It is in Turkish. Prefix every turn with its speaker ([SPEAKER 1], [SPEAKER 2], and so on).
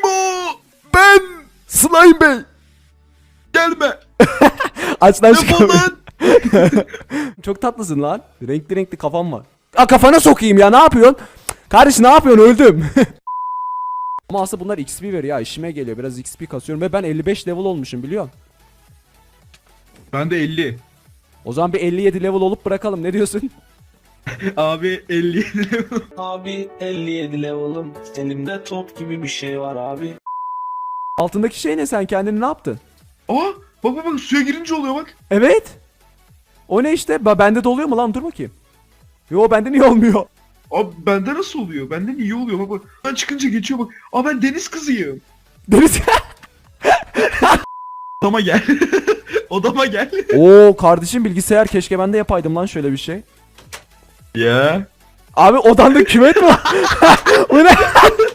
[SPEAKER 1] Kim o?
[SPEAKER 2] Ben Slime Bey.
[SPEAKER 1] Gelme.
[SPEAKER 2] Aç lan şu
[SPEAKER 1] Defol
[SPEAKER 2] kapıyı.
[SPEAKER 1] lan.
[SPEAKER 2] Çok tatlısın lan. Renkli renkli kafam var. Aa, kafana sokayım ya, ne yapıyorsun? Kardeş ne yapıyorsun, öldüm. Ama aslında bunlar XP veriyor ya, işime geliyor. Biraz XP kasıyorum ve ben 55 level olmuşum, biliyor musun?
[SPEAKER 1] Ben de 50.
[SPEAKER 2] O zaman bir 57 level olup bırakalım, ne diyorsun?
[SPEAKER 1] Abi 50.
[SPEAKER 3] Abi 57 level'ım. Elimde top gibi bir şey var abi.
[SPEAKER 2] Altındaki şey ne, sen kendini ne yaptın?
[SPEAKER 1] Aa bak suya girince oluyor bak.
[SPEAKER 2] Evet. O ne işte? Bende de oluyor mu lan, dur bakayım. Yo, bende niye olmuyor?
[SPEAKER 1] Abi bende nasıl oluyor? Benden iyi oluyor bak bak. Ben çıkınca geçiyor bak. Aa ben deniz kızıyım.
[SPEAKER 2] Deniz.
[SPEAKER 1] Odama gel. Odama gel.
[SPEAKER 2] Oo kardeşim, bilgisayar, keşke ben de yapaydım lan şöyle bir şey.
[SPEAKER 1] Ya.
[SPEAKER 2] Abi odanda küvet mi var? Bu ne?